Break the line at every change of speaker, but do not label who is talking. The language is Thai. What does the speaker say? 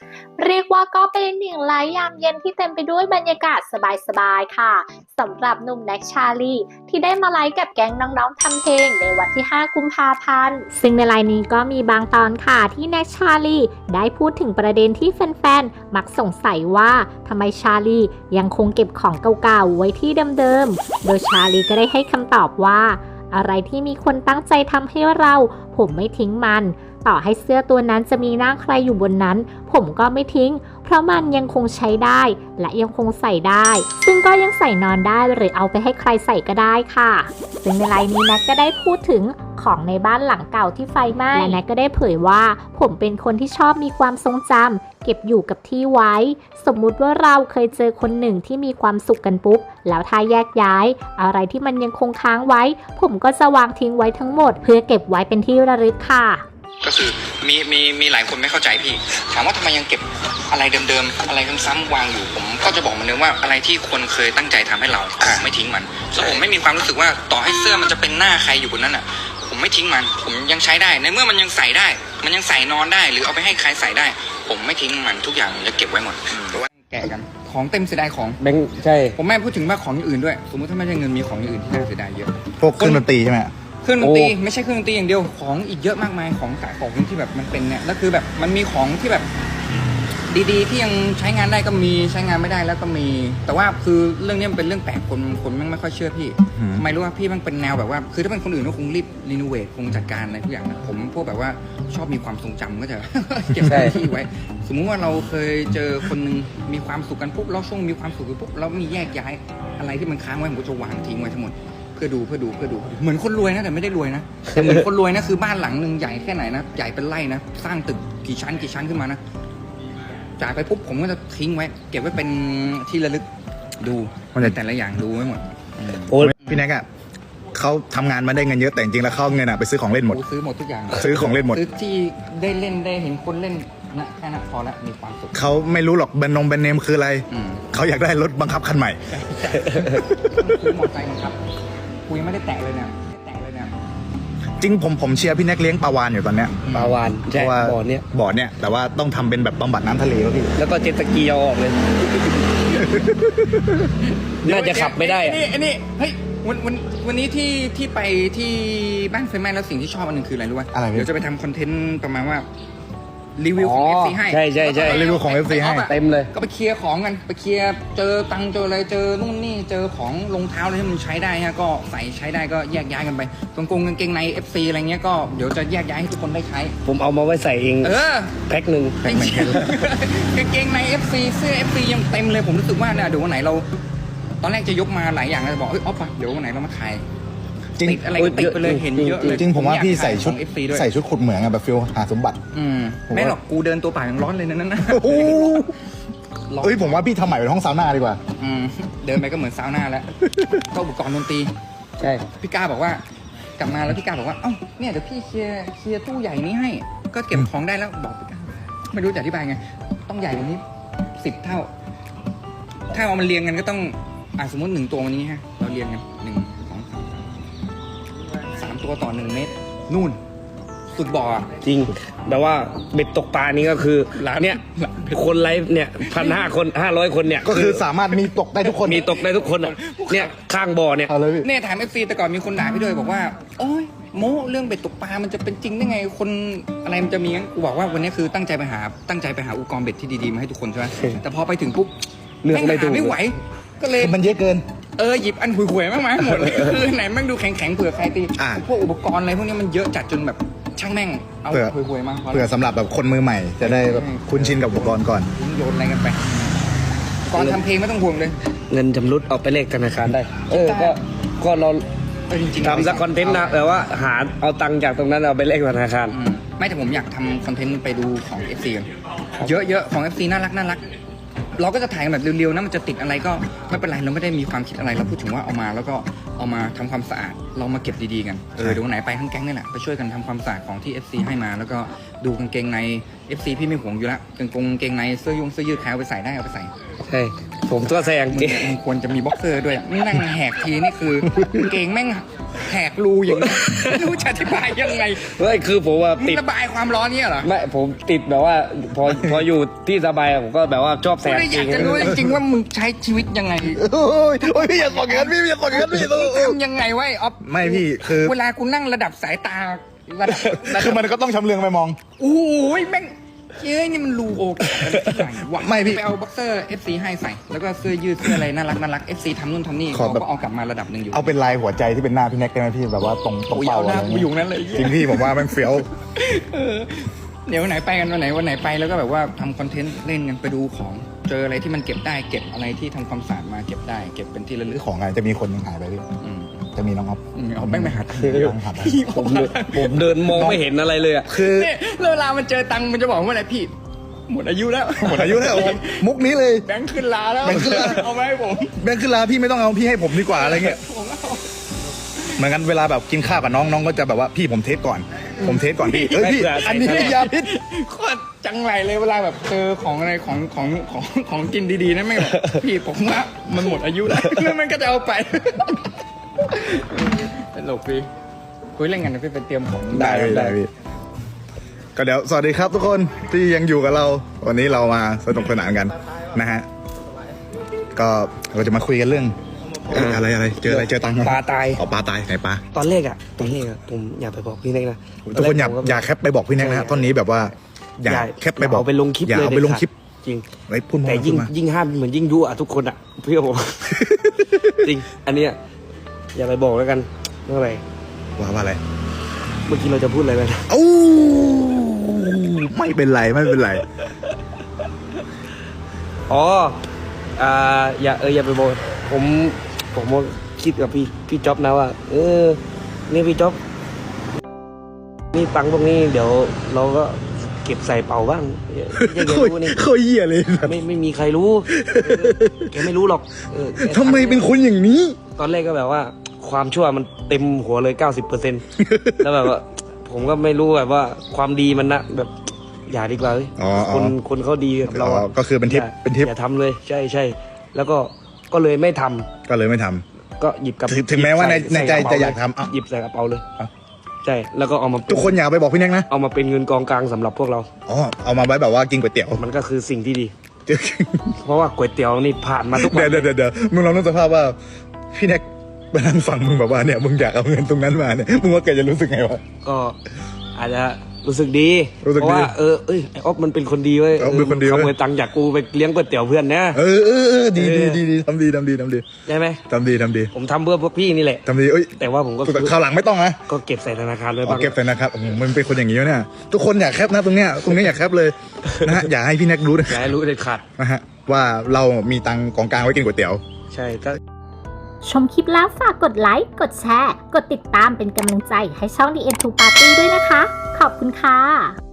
เรียกว่าก็เป็นหนึ่งไลฟ์ยามเย็นที่เต็มไปด้วยบรรยากาศสบายๆค่ะสำหรับหนุ่มแน็กชาลีที่ได้มาไลฟ์กับแก๊งน้องๆทำเพลงในวันที่ 5 กุมภาพันธ์ซึ่งในไลฟ์นี้ก็มีบางตอนค่ะที่แน็กชาลีได้พูดถึงประเด็นที่แฟนๆมักสงสัยว่าทำไมชาลียังคงเก็บของเก่าๆไว้ที่เดิมๆโดยชาลีก็ได้ให้คำตอบว่าอะไรที่มีคนตั้งใจทำให้เราผมไม่ทิ้งมันต่อให้เสื้อตัวนั้นจะมีหน้าใครอยู่บนนั้นผมก็ไม่ทิ้งเพราะมันยังคงใช้ได้และยังคงใส่ได้ซึ่งก็ยังใส่นอนได้หรือเอาไปให้ใครใส่ก็ได้ค่ะซึ่งในไลน์นี้แน็กก็ได้พูดถึงของในบ้านหลังเก่าที่ไฟไหม้และแน็กก็ได้เผยว่าผมเป็นคนที่ชอบมีความทรงจำเก็บอยู่กับที่ไว้สมมุติว่าเราเคยเจอคนหนึ่งที่มีความสุขกันปุ๊บแล้วถ้าแยกย้ายอะไรที่มันยังคงค้างไว้ผมก็จะวางทิ้งไว้ทั้งหมดเพื่อเก็บไว้เป็นที่ระลึกค่ะ
ก็คือมีหลายคนไม่เข้าใจพี่ถามว่าทำไมยังเก็บอะไรเดิมๆอะไรซ้ำๆวางอยู่ผมก็จะบอกมันเลยว่าอะไรที่คนเคยตั้งใจทำให้เราไม่ทิ้งมันแล้วผมไม่มีความรู้สึกว่าต่อให้เสื้อมันจะเป็นหน้าใครอยู่บนนั้นอ่ะผมไม่ทิ้งมันผมยังใช้ได้ในเมื่อมันยังใส่ได้มันยังใส่นอนได้หรือเอาไปให้ใครใส่ได้ผมไม่ทิ้งมันทุกอย่างผมจะเก็บไว้หมดเพราะว่าแกะกันของเต็มเสียดายของ
แบงค์ใช่
ผมไม่พูดถึงว่าของอย่างอื่นด้วยสมมติถ้าไม่ใช่เงินมีของอย่างอื่นที่น่าเสียดายเยอะ
พวกเครื่องดนตรีใช่ไหม
เครื่องดนตรีไม่ใช่เครื่องดนตรีอย่างเดียวของอีกเยอะมากมายของสายของที่แบบมันเป็นเนี่ยแล้วคือแบบมันมีของที่แบบดีๆที่ยังใช้งานได้ก็มีใช้งานไม่ได้แล้วก็มีแต่ว่าคือเรื่องนี้มันเป็นเรื่องแปลกคนไม่ค่อยเชื่อพี่ไม่รู้ว่าพี่มันเป็นแนวแบบว่าคือถ้าเป็นคนอื่นก็คงรีบรีโนเวทคงจัดการอะไรทุกอย่างนะผมพวกแบบว่าชอบมีความทรงจำก็จะ เก็บที่ไว้สมมุติว่าเราเคยเจอคนนึงมีความสุขกันปุ๊บเราช่วงมีความสุขกันปุ๊บเรามีแยกย้ายอะไรที่มันค้างไว้ผมก็จะวางทิ้งไว้ทั้งหมดเพื่อดูเหมือนคนรวยนะแต่ไม่ได้รวยนะแต่เหมือนคนรวยนะคือบ้านหลังนึงใหญ่แค่ไหนนะใหญ่เป็นไร่นะสร้างตึกกี่ชั้นขึ้นมานะจ่ายไปปุ๊บผมก็จะทิ้งไว้เก็บไว้เป็นที่ระลึกดูมันแต่ละอย่างดูไว้หมด
โอ้พี่แน็กอะเขาทำงานมาได้เงินเยอะแต่จริงๆแล้วเขาเงินอะไปซื้อของเล่นหมด
ซื้อหมดทุกอย่าง
ซื้อของเล่นหมด
ซื้อที่ได้เล่นได้เห็นคนเล่นนะแค่นั้นพอละมีความสุข
เขาไม่รู้หรอกแบรนด์เนมคืออะไรเขาอยากได้รถบังคับคันใหม่
ซื้อมอเตอร์ไซค์บังคับกูยังไม่ได้แตะเลยเนี่ย
จริงผมเชียร์พี่แน็กเลี้ยงปลาวานอยู่ตอนเนี้ย
ปลาวาน
เพราะว่าบ่อเนี้ยแต่ว่าต้องทำเป็นแบบบำบัดน้ำทะเลแล้วพี่
แล้วก็เจ็ตสกีเอาออกเลยน่าจะขับไม่ได้
อันนี้เฮ้ยวันนี้ที่ไปที่บ้านไฟไหม้แล้วสิ่งที่ชอบอันหนึ่งคืออะไรรู้ป่ะเดี๋ยวจะไปทำคอนเทนต์ประมาณว่ารีวิวของ FC ให้
ใช่
รีวิวของ FC ให้
เต็มเลย
ก็ไปเคลียร์ของกันไปเคลียร์เจอตังเจออะไรเจอนู่นนี่เจอของรองเท้าอะไรที่มันใช้ได้ฮะก็ใส่ใช้ได้ก็แยกย้ายกันไปกางเกงใน FC อะไรเงี้ยก็เดี๋ยวจะแยกย้ายให้ทุกคนได้ใช้
ผมเอามาไว้ใส่เองแพ็คหนึ่ง
กางเกงใน FC เสื้อ FC ยังเต็มเลยผมรู้สึกว่าเนี่ยเดี๋ยววันไหนเราตอนแรกจะยกมาหลายอย่างเลยบอกอ๊อฟเดี๋ยววันไหนเรามาขายติดอะไรก็ติดไปเลยเห็นเยอะเลย
จริงผมว่าพี่ใส่ชุดขุดเหมืองแบบฟิลหาสมบัติ
ไม่หรอกกูเดินตัวเปล่ายังร้อนเลยนั่นนะ
ผมว่าพี่ทำใหม่เป็นห้องซาวน่าดีกว่า
เดินไปก็เหมือนซาวน่าแล้วก็อุปกรณ์ดนตรี
ใช่
พี่กาบอกว่ากลับมาแล้วพี่กาบอกว่าเอ้าเนี่ยเดี๋ยวพี่เคลียร์ตู้ใหญ่นี้ให้ก็เก็บของได้แล้วบอกพี่กาไม่รู้จะอธิบายไงต้องใหญ่กว่านี้10 เท่าถ้าเอามันเรียงกันก็ต้องสมมติ1 ตัววันนี้ฮะเราเรียงกัน3 ตัวต่อ1 เมตรนู่นสุดบ่อ
จริงแต่ว่าเบ็ดตกปลานี้ก็คือเนี่ยคนไลฟ์เนี่ย1,500 คน500 คนเนี่ย
ก็คือสามารถมีตกได้ทุกคน
มีตกได้ทุกคนเนี่ยข้างบ่อเนี่ย
เนี่ยถาม FC แต่ก่อนมีคนด่าพี่ด้วยบอกว่าโอ้ยโม้เรื่องเบ็ดตกปลามันจะเป็นจริงได้ไงคนอะไรมันจะมีงั้นกูบอกว่าวันนี้คือตั้งใจไปหาอุปกรณ์เบ็ดที่ดีๆมาให้ทุกคนใช่ไหมแต่พอไปถึงปุ๊บ
เลือก
ไม่ไหวก็เลย
มันเยอะเกิน
หยิบอันห่วยๆมากมายหมดเลยคือไหนแม่งดูแข็งๆเผื่อใครตีพวกอุปกรณ์อะไรพวกนี้มันเยอะจัดจนแบบช่างแม่งเอาห่วยๆมา
เผื่อสำหรับแบบคนมือใหม่จะได้แบบคุ้นชินกับอุปกรณ์ก่อน
โยนอะไรกันไปก่อนทำเพลงไม่ต้องห่วงเลย
เงินจำรุดเอาไปเลขธนาคารได้ก็เราทำสักคอนเทนต์นะแต่ว่าหาเอาตังค์จากตรงนั้นเอาไปเลขธนาคาร
ไม่แต่ผมอยากทำคอนเทนต์ไปดูของ FC กันเยอะๆของ FC น่ารักเราก็จะถ่ายแบบเร็วๆนะมันจะติดอะไรก็ไม่เป็นไรเราไม่ได้มีความคิดอะไรเราพูดถึงว่าเอามาแล้วก็เอามาทำความสะอาดเรามาเก็บดีๆกันเดี๋ยวไหนไปทั้งแก๊งนี่แหละไปช่วยกันทำความสะอาดของที่ FC ให้มาแล้วก็ดูกางเกงใน FC พี่ไม่ห่วงอยู่แล้วกางเกงในเสื้อยืดแคลไปใส่ได้เอาไปใส่
ใช่ผมตัวแซง
มึงควรจะมีบ็อกเซอร์ด้วยอะนั่งแหกทีนี่คือเก่งแม่งแหกรูอย่างนี้ไม่รู้จะอธิบายยังไง
เฮ้ยคือผมว่า
มึ
ติ
ง
ด
ระบายความร้อนเนี่ยเหรอ
ไม่ผมติดแบบว่าพออยู่ที่สบายผมก็แบบว่าชอบแซ
กู
ง
เลยอยากจะรู้จริงๆว่ามึงใช้ชีวิตยังไง
โอ้ยพี่อย่าสอนกันพี่อย่าสอนกันพี่
ทำยังไงไว้ออฟ
ไม่พี่คือ
เวลากูนั่งระดับสายตาระดับ
คือมันก็ต้องชำเลืองไปมอง
โอ้ยแม่งเย้ยนี่มันรูโอกไหนวะ
ไม่พี่
ไปเอาบ็อกเซอร์ FC ให้ใส่ แล้วก็เสื้อยืดเสื้ออะไรน่ารัก FC ทำนู่นทำนี่
ขอ
เขา
แบบ
ก็เอากลับมาระดับหนึ่งอยู่
เอาเป็นลายหัวใจที่เป็นหน้าพี่แน็กได้ไหมพี่แบบว่าตรง
โอ้ย
เป้า
เอาห
อะไร
น้ากูอยู่นั้นเลย
จริงพี่ผมว่าแม่งเฟี้ยว
เดี๋ยววันไหนไปกันวันไหนไปแล้วก็แบบว่าทำคอนเทนต์เล่นกันไปดูของเจออะไรที่มันเก็บได้เก็บอะไรที่ทำความสะอาดมาเก็บได้เก็บเป็นที่ระ
ห
ลึ
รือก ของอะไรจะมีคนหนึงหายไปพี่
อืม
จะมีน้องอ๊อฟ
เอาแม่งไปหาตังค์
น้องหายไป
ผมเดินมองไม่เห็นอะไรเลยอ่ะ
คือ
เนี่ยแล้วเวลามันเจอตังค์มันจะบอกว่าอะไรพี่หมดอายุแล้ว
หมดอายุแล้วมุกนี้เลย
แบงค์ขึ้นลาแล้ว
แบงค์ขึ้นลา
เอามาให้ผม
แบงค์ขึ้นลาพี่ไม่ต้องเอาพี่ให้ผมดีกว่าอะไรเงี้ย
ผมเอา
เหมือนกันเวลาแบบกินข้าวกับน้องก็จะแบบว่าพี่ผมเทสก่อน ผมเทสก่อนพี่เอ้ยพี่
ไม่เผื่อใส่
อันนี้ยาพิษ
โคตรจังไรเลยเวลาแบบเจอของอะไรของกินดีๆนะไม่งแบบพี่ผมว่ามันหมดอายุแล้วแล้วมันก็จะเอาไปตลกพี่คุยเล่นกันนะพี่ไปเตรียมของ
ได้พี่ก็เดี๋ยวสวัสดีครับทุกคนที่ยังอยู่กับเรา วันนี้เรามาสนุกสนานกันนะฮะก็เราจะมาคุยกันเรื่องอะไรเจออะไรเจอตังค์
ปลาตาย
อ๋อปลาตายไหนปลา
ตอนแรกผมอยากไปบอกพี่เล็กนะ
ทุกคนอย่าแคปไปบอกพี่แน็กนะฮะตอนนี้แบบว่าอย่าแคปไปบอก
เอาไปลงคลิป
อย่า
เลย
เอาไปลงคลิป
จริง
ไว้พูดมา
แต่
พูดมา
ยิ่งห้ามเหมือนยิ่งยุอ่ะทุกคนอ่ะเพื่อผม จริง อันเนี้ยอย่าไปบอกแล้วกันเมื่อไหร่
ว่าอะไร
เมื่อกี้เราจะพูดอะไรไปนะ
โอ้ไม่เป็นไรไม่เป็นไร
อ๋ออย่าไปบอกผมว่าคิดกับพี่จ๊อบนะว่า นี่พี่จ๊อบนี่ตังค์พวกนี้เดี๋ยวเราก็เก็บใส่เป๋าบ้างอย่าแกรู้นี่
โคตรเหี้ยเลย
ไม่มีใครรู้แกไม่รู้หรอกแก
ทำไมเป็นคนอย่างนี้
ตอนแรกก็แบบว่า ความชั่วมันเต็มหัวเลย 90% แล้วแบบว่า ผมก็ไม่รู้แบบว่าความดีมันนะแบบอย่าดีกว่าเว้ย
อ๋อ
คนเขาดีกับเรา
อ๋อก็คือเป็นทิป
อย่า
เป็นทิป
อย่าทำเลยใช่แล้วก็เลยไม่ทำ
ก็เลยไม่ทำ
ก็หยิบกับ
ถึงแม้ว่าใน
ใส่
ใจ
กรเป๋
จะอยากทำ
เล
เอ้า
หยิบใส่กระเป๋าเลย
เอ้า
ใช่แล้วก็เอามา
ทุกคนอย่าไปบอกพี่แน็กนะ
เอามาเป็นเงินกองกลางสำหรับพวกเรา
อ๋อเอามาไว้แบบว่ากินก๋วยเตี๋ยว
มันก็คือสิ่งที่ดี เพราะว่าก๋วยเตี๋ยวนี่ผ่านมาทุกวัน
เดี๋ยวมึงลองนึกสภาพว่าพี่แน็กไปนั่งฟังมึงแบบว่าเนี่ยมึงอยากเอาเงินตรงนั้นมาเนี่ยมึงว่าแกจะรู้สึกไงวะ
ก็อาจจะรู้สึกดี
รู้สึก
เพราะ
ดี
ว่าไอออฟมันเป็นคนดีเว้ย
ออฟเป็นคนดีเว้ย
ขโมยตังค์จากกูไปเลี้ยงก๋วยเตี๋ยวเพื่อนนะ
เออดีทำดี
ใช่ไหม
ทำดี
ผมทำเพื่อพวกพี่นี่แหละ
ทำดีเอ้ย
แต่ว่าผมก็
คราวหลังไม่ต้องนะ
ก็เก็บใส่ธนาคารไว้
เอา
บ้าง
เก็บใส่นะครับมันเป็นคนอย่างนี้วะเนี่ยทุกคนอยากแคปนะตรงเนี้ยอยากแคปเลยนะฮะอย่าให้พี่แน็กรู้นะ
อย่าให้รู้เด็ดขาด
นะฮะว่าเรามีตังค์ของกลางไว้กินก๋วยเตี๋ยว
ใช่ก็
ชมคลิปแล้วฝากกดไลค์ กดแชร์ กดติดตามเป็นกำลังใจให้ช่อง The End to Party ด้วยนะคะ ขอบคุณค่ะ